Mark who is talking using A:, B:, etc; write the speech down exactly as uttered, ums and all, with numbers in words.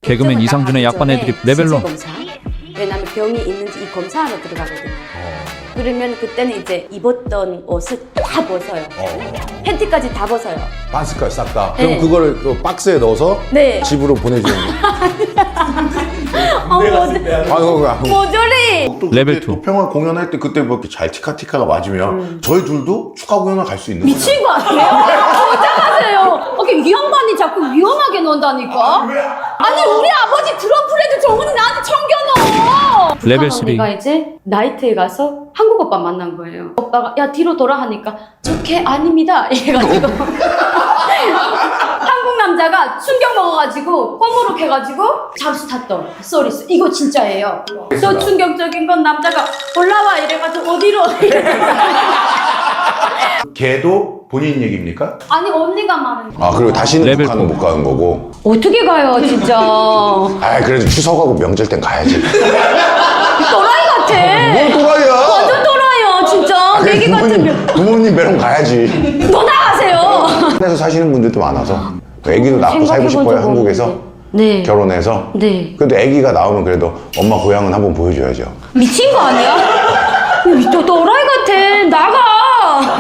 A: 개그맨 이상준의 약반 애드립 레벨론.
B: 검사. 왜냐면 병이 있는지 이 검사하러 들어가거든요. 그러면 그때는 이제 입었던 옷을 다 벗어요. 팬티까지 다 벗어요.
C: 반스까지 싹 다.
B: 네.
C: 그럼 그거를 그 박스에 넣어서
B: 네.
C: 집으로 보내주는 거.
B: 어, 모조,
C: 아이고,
B: 모조리.
C: 또
A: 레벨
C: 그때
A: 투.
C: 도평화 공연할 때 그때 뭐 이렇게 잘 티카티카가 맞으면 저희 둘도 축하 공연을 갈 수 있는 거예요.
B: 미친 거 아니에요? 거짓말하세요. 이게 이 양반이 자꾸 위험하게 논다니까. 아니 우리 아버지 드럼프레드 정훈이 나한테 챙겨넣어.
A: 레벨 쓰리.
B: 언니가 이제 나이트에 가서 한국 오빠 만난 거예요. 오빠가 야 뒤로 돌아 하니까 저 걔 아닙니다 이래가지고 한국 남자가 충격 먹어가지고 뽀무룩 해가지고 잠수 탔던 쏘리 이거 진짜예요. 저 충격적인 건 남자가 올라와 이래가지고 어디로
C: 걔도 본인 얘기입니까?
B: 아니 언니가 말은
C: 아 그리고 다시는
A: 레벨
C: 북한은
A: 포.
C: 못 가는 거고.
B: 어떻게 가요 진짜.
C: 아 그래도 추석하고 명절 땐 가야지.
B: 또라이 같아.
C: 뭘 또라이야?
B: 완전 또라이야 진짜.
C: 그래,
B: 내기
C: 부모님,
B: 같으면
C: 부모님 매럼 가야지.
B: 너 나가세요.
C: 한국에서 사시는 분들도 많아서 애기도 낳고 살고 싶어요 한국에서.
B: 네.
C: 결혼해서.
B: 네.
C: 그래도 애기가 나오면 그래도 엄마 고향은 한번 보여줘야죠.
B: 미친 거 아니야? 또 또라이 같아. 나가.